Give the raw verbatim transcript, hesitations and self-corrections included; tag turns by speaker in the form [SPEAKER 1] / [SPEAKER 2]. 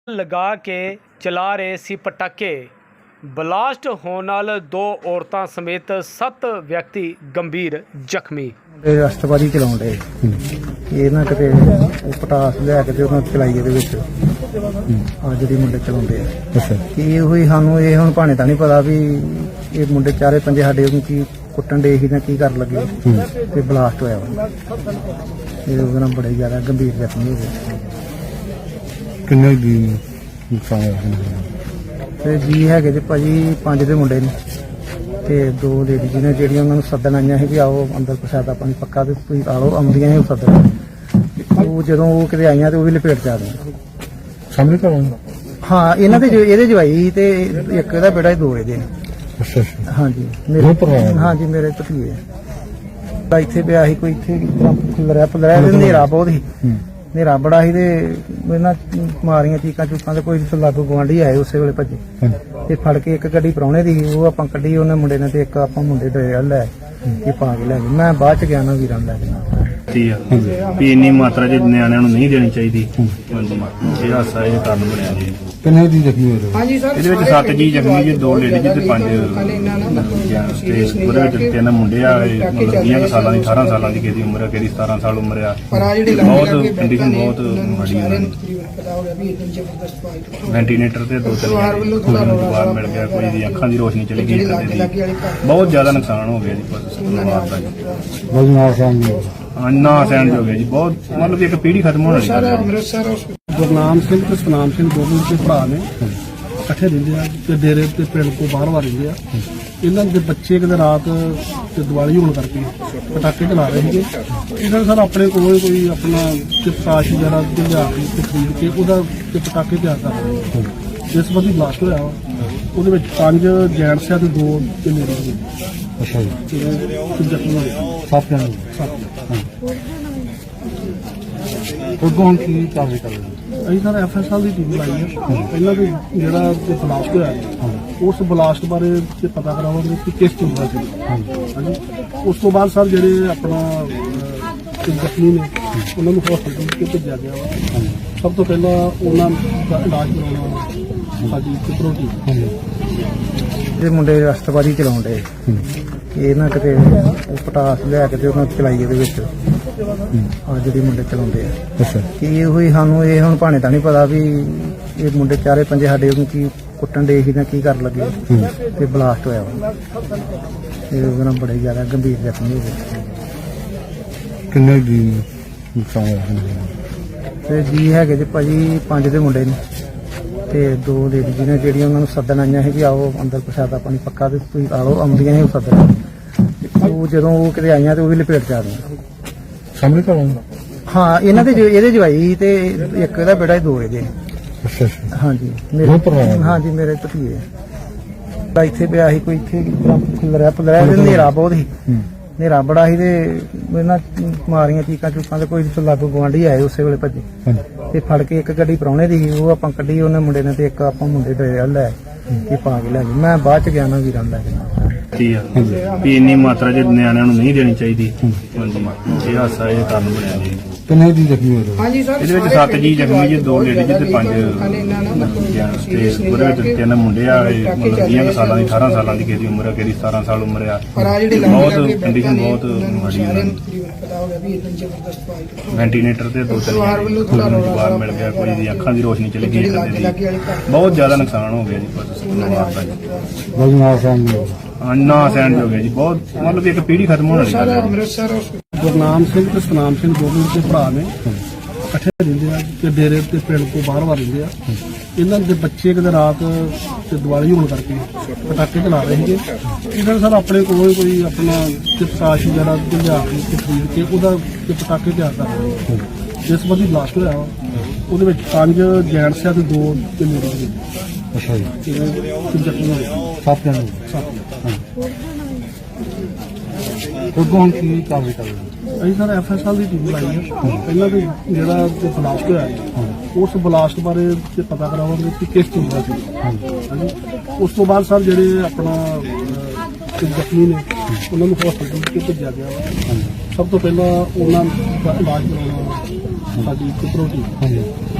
[SPEAKER 1] ਲਗਾ ਕੇ ਚਲਾ ਰਹੇ ਸੀ ਪਟਾਕੇ। ਬਲਾਸਟ ਹੋਣ ਨਾਲ ਦੋ ਔਰਤਾਂ ਸਮੇਤ ਸੱਤ ਵਿਅਕਤੀ ਗੰਭੀਰ ਜ਼ਖਮੀ।
[SPEAKER 2] ਰਸਤਬਾਜ਼ੀ ਚਲਾਉਣ ਦੇ ਇਹ ਨਾ ਕਿਤੇ ਉਹ ਪਟਾਸ ਲਿਆ ਕੇ ਤੇ ਉਹਨਾਂ ਚਲਾਈ ਇਹਦੇ ਵਿੱਚ ਆ ਜਿਹੜੀ ਮੁੰਡੇ ਚਲਾਉਂਦੇ ਆ। ਅੱਛਾ ਕੀ ਹੋਈ ਸਾਨੂੰ ਇਹ ਹੁਣ ਭਾਣੇ ਤਾਂ ਨਹੀਂ ਪਤਾ ਵੀ ਇਹ ਮੁੰਡੇ ਚਾਰੇ ਪੰਜੇ ਸਾਡੇ ਉਹਨੂੰ ਕੀ ਕੁੱਟਣ ਦੇ ਸੀ ਜਾਂ ਕੀ ਕਰਨ ਲੱਗੇ ਤੇ ਬਲਾਸਟ ਹੋਇਆ ਵਾ। ਇਹ ਉਹਦੇ ਨਾਲ ਬੜੇ ਜ਼ਿਆਦਾ ਗੰਭੀਰ ਜ਼ਖਮੀ ਹੋ ਗਏ।
[SPEAKER 3] ਕਿੰਨੇ ਦੀ ਨੁਕਸਾਨ ਹੋਇਆ?
[SPEAKER 2] ਤੇ ਜੀ ਹੈਗੇ ਜੀ ਭਾਜੀ ਪੰਜ ਦੇ ਮੁੰਡੇ ਨੇ ਤੇ ਦੋ ਲੇਡੀ ਜਿਹਨੇ ਜਿਹੜੀਆਂ ਉਹਨਾਂ ਨੂੰ ਸੱਦਣ ਆਈਆਂ ਸੀ ਵੀ ਆਓ ਅੰਦਰ ਪ੍ਰਸ਼ਾਦਾ ਪਾਣੀ ਪੱਕਾ ਤੇ ਤੁਸੀਂ ਆ ਲਓ ਆਉਂਦੀਆਂ ਸੀ ਉਹ ਸੱਦਣ। ਉਹ ਜਦੋਂ ਉਹ ਕਿਤੇ ਆਈਆਂ ਤੇ ਉਹ ਵੀ ਲਪੇਟ ਚ ਆ ਗਈਆਂ
[SPEAKER 3] ਸਾਹਮਣੇ ਘਰੋਂ।
[SPEAKER 2] ਹਾਂ ਇਹਨਾਂ ਦੇ ਜੋ- ਇਹਦੇ ਜਵਾਈ ਤੇ ਇੱਕ ਇਹਦਾ ਬੇਟਾ ਦੋ ਇਹਦੇ ਨੇ।
[SPEAKER 3] ਅੱਛਾ ਅੱਛਾ
[SPEAKER 2] ਹਾਂਜੀ
[SPEAKER 3] ਦੋ
[SPEAKER 2] ਮੇਰੇ
[SPEAKER 3] ਭਰਾ ਨੇ?
[SPEAKER 2] ਹਾਂਜੀ ਮੇਰੇ ਭਤੀਏ ਤਾਂ ਇੱਥੇ ਪਿਆ ਸੀ ਕੋਈ ਇੱਥੇ ਖੁੱਲਰਿਆ ਪੁੱਲਰਿਆ ਤੇ ਹਨੇਰਾ ਬਹੁਤ ਸੀ।
[SPEAKER 3] ਹੂੰ
[SPEAKER 2] ਹਨੇਰਾ ਬੜਾ ਸੀ ਤੇ ਇਹਨਾਂ ਮਾਰੀਆਂ ਚੀਕਾਂ ਚੂਕਾਂ ਤੇ ਕੋਈ ਲਾਗੂ ਗੁਆਂਢੀ ਆਏ ਉਸੇ ਵੇਲੇ ਭੱਜੇ
[SPEAKER 3] ਹਾਂਜੀ
[SPEAKER 2] ਤੇ ਫੜ ਕੇ ਇੱਕ ਗੱਡੀ ਪ੍ਰਾਹੁਣੇ ਦੀ ਸੀ, ਉਹ ਆਪਾਂ ਕੱਢੀ ਉਹਨੇ ਮੁੰਡੇ ਨੇ ਤੇ ਇੱਕ ਆਪਾਂ ਮੁੰਡੇ ਦੇ ਲੈ ਇਹ ਪਾ ਕੇ ਲੈ ਗਏ। ਮੈਂ ਬਾਅਦ ਚ ਗਿਆ ਨਾ ਵੀਰਾਂ ਲੈ ਕੇ
[SPEAKER 4] ਆ ਵੀ ਇੰਨੀ ਮਾਤਰਾ ਚ ਨਿਆਣਿਆਂ ਨੂੰ ਨਹੀਂ ਦੇਣੀ ਚਾਹੀਦੀ। ਹਾਂਜੀ ਇਹ ਹਾਸਾ ਇਹ ਕਾਰਨ ਬਣਿਆ ਜੀ।
[SPEAKER 3] ਕਿੰਨੇ ਦੀ ਜ਼ਖਮੀ ਹੋਏ?
[SPEAKER 4] ਇਹਦੇ ਵਿੱਚ ਸੱਤ ਜੀ ਜ਼ਖਮੀ ਜੀ, ਦੋ ਲੇਡੀ ਜੀ ਤੇ ਪੰਜ ਜੈਂਟਸ ਤੇ ਉਹਦੇ ਵਿੱਚ ਤਿੰਨ ਮੁੰਡੇ ਆ। ਇਹ ਮਤਲਬ ਵੀਹ ਕੁ ਸਾਲਾਂ ਦੀ ਅਠਾਰਾਂ ਸਾਲਾਂ ਦੀ ਕਿਸੇ ਦੀ ਉਮਰ ਆ, ਕਿਸੇ ਦੀ ਸਤਾਰਾਂ ਸਾਲ ਉਮਰ ਆ। ਬਹੁਤ ਕੰਡੀਸ਼ਨ ਬਹੁਤ ਮਾੜੀ ਉਹਨਾਂ ਦੀ। ਵੈਂਟੀਲੇਟਰ ਤੇ ਦੋ ਤਿੰਨ ਜਣੇ ਨੂੰ ਜਵਾਬ ਮਿਲ ਗਿਆ, ਕੋਈ ਦੀ ਅੱਖਾਂ ਦੀ ਰੋਸ਼ਨੀ ਚਲੀ ਗਈ, ਕਦੇ ਦੀ ਬਹੁਤ ਜ਼ਿਆਦਾ ਨੁਕਸਾਨ ਹੋ ਗਿਆ ਜੀ ਪਰਿਵਾਰ ਦਾ ਜੀ।
[SPEAKER 3] ਬਜਨਾਰ ਸਾਹਿਬ ਨੂੰ
[SPEAKER 4] ਅੰਨਾ ਸਹਿਣ ਹੋ ਗਿਆ ਜੀ, ਬਹੁਤ ਮਤਲਬ ਇੱਕ ਪੀੜ੍ਹੀ ਖਤਮ ਹੋਣ ਵਾਲੀ ਗੱਲ ਹੈ।
[SPEAKER 5] ਗੁਰਨਾਮ ਸਿੰਘ ਤੇ ਸਤਨਾਮ ਸਿੰਘ ਦੋਨੋਂ ਦੇ ਭਰਾ ਨੇ, ਇਕੱਠੇ ਰਹਿੰਦੇ ਆ ਤੇ ਡੇਰੇ ਤੇ ਪਿੰਡ ਤੋਂ ਬਾਹਰ ਬਾਹਰ ਰਹਿੰਦੇ ਆ। ਇਹਨਾਂ ਦੇ ਬੱਚੇ ਕਿਤੇ ਰਾਤ ਤੇ ਦੀਵਾਲੀ ਹੋਣ ਕਰਕੇ ਪਟਾਕੇ ਚਲਾ ਰਹੇ ਸੀਗੇ। ਇਹਨਾਂ ਨੇ ਸਰ ਆਪਣੇ ਕੋਲ ਕੋਈ ਆਪਣਾ ਚਿਪਕਾਸ਼ ਵਗੈਰਾ ਲਿਆ ਕੇ ਤੇ ਖਰੀਦ ਕੇ ਉਹਦਾ ਤੇ ਪਟਾਕੇ ਤਿਆਰ ਕਰ ਰਹੇ ਸੀ। ਜਿਸ ਬੰਦੀ ਬਲਾਸਟ ਹੋਇਆ ਵਾ, ਉਹਦੇ ਵਿੱਚ ਪੰਜ ਜੈਂਟਸ ਆ ਤੇ ਦੋ ਤੇ ਲੇਡੀਜ਼ ਨੇ।
[SPEAKER 3] ਅੱਛਾ ਜੀ
[SPEAKER 5] ਤੇ ਜ਼ਖਮੀ ਹੋਏ
[SPEAKER 3] ਸੱਤ ਜਣੇ ਉਦੋਂ ਹੁਣ ਕੀ ਕਾਰਵਾਈ ਕਰ ਰਹੇ?
[SPEAKER 5] ਅਸੀਂ ਸਰ ਐਫ ਐਸ ਐਲ ਦੀ ਟੀਮ ਲਾਈ ਹੈ। ਪਹਿਲਾਂ ਵੀ ਜਿਹੜਾ ਤੇ ਬਲਾਸਟ ਹੋਇਆ ਉਸ ਬਲਾਸਟ ਬਾਰੇ ਤੇ ਪਤਾ ਕਰਾਵਾਂਗੇ ਕਿ ਕਿਸ ਚੀਜ਼ ਦਾ ਸੀ। ਹਾਂਜੀ ਉਸ ਤੋਂ ਬਾਅਦ ਸਰ ਜਿਹੜੇ ਆਪਣਾ ਅਹ, ਜ਼ਖਮੀ ਨੇ ਉਹਨਾਂ ਨੂੰ ਹਸਪਤਾਲ ਵਿੱਚ ਭੇਜਿਆ ਗਿਆ ਵਾ। ਸਭ ਤੋਂ ਪਹਿਲਾਂ ਉਹਨਾਂ ਦਾ ਇਲਾਜ ਕਰਾਉਣਾ ਸਾਡੀ ਸਿਕਿਉਰਿਟੀ।
[SPEAKER 2] ਇਹ ਮੁੰਡੇ ਰਸਤਬਾਜ਼ੀ ਚਲਾਉਣ ਦੇ ਇਹ ਨਾ ਕਿਤੇ ਉਹ ਪਟਾਸ ਲਿਆ ਕੇ ਤੇ ਉਹਨਾਂ ਚਲਾਈ ਇਹਦੇ ਵਿੱਚ ਆ ਜਿਹੜੀ ਮੁੰਡੇ ਚਲਾਉਂਦੇ ਆ।
[SPEAKER 3] ਅੱਛਾ
[SPEAKER 2] ਕੀ ਹੋਈ ਸਾਨੂੰ ਇਹ ਹੁਣ ਭਾਣੇ ਤਾਂ ਨਹੀਂ ਪਤਾ ਵੀ ਇਹ ਮੁੰਡੇ ਚਾਰੇ ਪੰਜੇ ਸਾਡੇ ਉਹਨੂੰ ਕੀ ਕੁੱਟਣ ਦੇ ਸੀ ਜਾਂ ਕੀ ਕਰਨ ਲੱਗੇ ਤੇ ਬਲਾਸਟ ਹੋਇਆ ਵਾ। ਇਹ ਉਹਦੇ ਨਾਲ ਬੜੇ ਜ਼ਿਆਦਾ ਗੰਭੀਰ ਜ਼ਖਮੀ ਹੋ ਗਏ।
[SPEAKER 3] ਕਿੰਨੇ ਦੀ ਨੁਕਸਾਨ ਹੋਇਆ?
[SPEAKER 2] ਤੇ ਜੀ ਹੈਗੇ ਜੀ ਭਾਜੀ ਪੰਜ ਦੇ ਮੁੰਡੇ ਨੇ ਤੇ ਦੋ ਲੇਡੀ ਜਿਹਨੇ ਜਿਹੜੀਆਂ ਉਹਨਾਂ ਨੂੰ ਸੱਦਣ ਆਈਆਂ ਸੀ ਵੀ ਆਓ ਅੰਦਰ ਪ੍ਰਸ਼ਾਦਾ ਪਾਣੀ ਪੱਕਾ ਤੇ ਤੁਸੀਂ ਆ ਲਓ ਆਉਂਦੀਆਂ ਸੀ ਉਹ ਸੱਦਣ। ਉਹ ਜਦੋਂ ਉਹ ਕਿਤੇ ਆਈਆਂ ਤੇ ਉਹ ਵੀ ਲਪੇਟ ਚ ਆ ਗਈਆਂ
[SPEAKER 3] ਸਾਹਮਣੇ ਘਰੋਂ।
[SPEAKER 2] ਹਾਂ ਇਹਨਾਂ ਦੇ ਜੋ- ਇਹਦੇ ਜਵਾਈ ਤੇ ਇੱਕ ਇਹਦਾ ਬੇਟਾ ਦੋ ਇਹਦੇ ਨੇ।
[SPEAKER 3] ਅੱਛਾ ਅੱਛਾ
[SPEAKER 2] ਹਾਂਜੀ
[SPEAKER 3] ਦੋ
[SPEAKER 2] ਮੇਰੇ
[SPEAKER 3] ਭਰਾ ਨੇ?
[SPEAKER 2] ਹਾਂਜੀ ਮੇਰੇ ਭਤੀਏ ਤਾਂ ਇੱਥੇ ਪਿਆ ਸੀ ਕੋਈ ਇੱਥੇ ਖੁੱਲਰਿਆ ਪੁੱਲਰਿਆ ਤੇ ਹਨੇਰਾ ਬਹੁਤ ਸੀ।
[SPEAKER 3] ਹੂੰ
[SPEAKER 2] ਹਨੇਰਾ ਬੜਾ ਸੀ ਤੇ ਇਹਨਾਂ ਮਾਰੀਆਂ ਚੀਕਾਂ ਚੂਕਾਂ ਤੇ ਕੋਈ ਲਾਗੂ ਗੁਆਂਢੀ ਆਏ ਉਸੇ ਵੇਲੇ ਭੱਜੇ
[SPEAKER 3] ਹਾਂਜੀ
[SPEAKER 2] ਤੇ ਫੜ ਕੇ ਇੱਕ ਗੱਡੀ ਪ੍ਰਾਹੁਣੇ ਦੀ ਸੀ, ਉਹ ਆਪਾਂ ਕੱਢੀ ਉਹਨੇ ਮੁੰਡੇ ਨੇ ਤੇ ਇੱਕ ਆਪਾਂ ਮੁੰਡੇ ਦੇ ਲੈ ਇਹ ਪਾ ਕੇ ਲੈ ਗਏ। ਮੈਂ ਬਾਅਦ ਚ ਗਿਆ ਨਾ ਵੀਰਾਂ ਲੈ ਕੇ।
[SPEAKER 4] ਆ ਵੀ ਇੰਨੀ ਮਾਤਰਾ ਚ ਨਿਆਣਿਆਂ ਨੂੰ ਨਹੀਂ ਦੇਣੀ ਚਾਹੀਦੀ। ਹਾਂਜੀ ਇਹ ਹਾਸਾ ਇਹ ਕਾਰਨ ਬਣਿਆ ਜੀ।
[SPEAKER 3] ਕਿੰਨੇ ਦੀ ਜ਼ਖਮੀ ਹੋਏ?
[SPEAKER 4] ਇਹਦੇ ਵਿੱਚ ਸੱਤ ਜੀ ਜ਼ਖਮੀ ਜੀ, ਦੋ ਲੇਡੀ ਜੀ ਤੇ ਪੰਜ ਜੈਂਟਸ ਤੇ ਉਹਦੇ ਵਿੱਚ ਤਿੰਨ ਮੁੰਡੇ ਆ। ਇਹ ਮਤਲਬ ਵੀਹ ਕੁ ਸਾਲਾਂ ਦੀ ਅਠਾਰਾਂ ਸਾਲਾਂ ਦੀ ਕਿਸੇ ਦੀ ਉਮਰ ਆ, ਕਿਸੇ ਦੀ ਸਤਾਰਾਂ ਸਾਲ ਉਮਰ ਆ। ਬਹੁਤ ਕੰਡੀਸ਼ਨ ਬਹੁਤ ਮਾੜੀ ਉਹਨਾਂ ਦੀ। ਵੈਂਟੀਲੇਟਰ ਤੇ ਦੋ ਤਿੰਨ ਜਣੇ ਨੂੰ ਜਵਾਬ ਮਿਲ ਗਿਆ, ਕੋਈ ਦੀ ਅੱਖਾਂ ਦੀ ਰੋਸ਼ਨੀ ਚਲੀ ਗਈ, ਕਦੇ ਦੀ ਬਹੁਤ ਜ਼ਿਆਦਾ ਨੁਕਸਾਨ ਹੋ ਗਿਆ ਜੀ ਪਰਿਵਾਰ ਦਾ ਜੀ।
[SPEAKER 3] ਬਜਨਾਰ ਸਾਹਿਬ ਨੂੰ
[SPEAKER 4] ਅੰਨਾ ਸਹਿਣ ਹੋ ਗਿਆ ਜੀ, ਬਹੁਤ ਮਤਲਬ ਇੱਕ ਪੀੜ੍ਹੀ ਖਤਮ ਹੋਣ ਵਾਲੀ ਗੱਲ ਹੈ।
[SPEAKER 5] ਗੁਰਨਾਮ ਸਿੰਘ ਤੇ ਸਤਨਾਮ ਸਿੰਘ ਦੋਨੋਂ ਦੇ ਭਰਾ ਨੇ, ਇਕੱਠੇ ਰਹਿੰਦੇ ਆ ਤੇ ਡੇਰੇ ਤੇ ਪਿੰਡ ਤੋਂ ਬਾਹਰ ਬਾਹਰ ਰਹਿੰਦੇ ਆ। ਇਹਨਾਂ ਦੇ ਬੱਚੇ ਕਿਤੇ ਰਾਤ ਤੇ ਦੀਵਾਲੀ ਹੋਣ ਕਰਕੇ ਪਟਾਕੇ ਚਲਾ ਰਹੇ ਸੀਗੇ। ਇਹਨਾਂ ਨੇ ਸਰ ਆਪਣੇ ਕੋਲ ਕੋਈ ਆਪਣਾ ਚਿਪਕਾਸ਼ ਵਗੈਰਾ ਲਿਆ ਕੇ ਤੇ ਖਰੀਦ ਕੇ ਉਹਦਾ ਤੇ ਪਟਾਕੇ ਤਿਆਰ ਕਰ ਰਹੇ ਸੀ। ਜਿਸ ਬੰਦੀ ਬਲਾਸਟ ਹੋਇਆ ਵਾ, ਉਹਦੇ ਵਿੱਚ ਪੰਜ ਜੈਂਟਸ ਆ ਤੇ ਦੋ ਤੇ ਲੇਡੀਜ਼ ਨੇ।
[SPEAKER 3] ਅੱਛਾ ਜੀ
[SPEAKER 5] ਤੇ ਜ਼ਖਮੀ ਹੋਏ
[SPEAKER 3] ਸੱਤ ਜਣੇ ਉਦੋਂ ਹੁਣ ਕੀ ਕਾਰਵਾਈ ਕਰ ਰਹੇ?
[SPEAKER 5] ਅਸੀਂ ਸਰ ਐਫ ਐਸ ਐਲ ਦੀ ਟੀਮ ਲਾਈ ਹੈ। ਪਹਿਲਾਂ ਵੀ ਜਿਹੜਾ ਤੇ ਬਲਾਸਟ ਹੋਇਆ ਉਸ ਬਲਾਸਟ ਬਾਰੇ ਤੇ ਪਤਾ ਕਰਾਵਾਂਗੇ ਕਿ ਕਿਸ ਚੀਜ਼ ਦਾ ਸੀ। ਹਾਂਜੀ ਉਸ ਤੋਂ ਬਾਅਦ ਸਰ ਜਿਹੜੇ ਆਪਣਾ ਅਹ, ਜ਼ਖਮੀ ਨੇ ਉਹਨਾਂ ਨੂੰ ਹਸਪਤਾਲ ਵਿੱਚ ਭੇਜਿਆ ਗਿਆ ਵਾ। ਸਭ ਤੋਂ ਪਹਿਲਾਂ ਉਹਨਾਂ ਦਾ ਇਲਾਜ ਕਰਾਉਣਾ ਸਾਡੀ ਸਿਕਿਉਰਿਟੀ।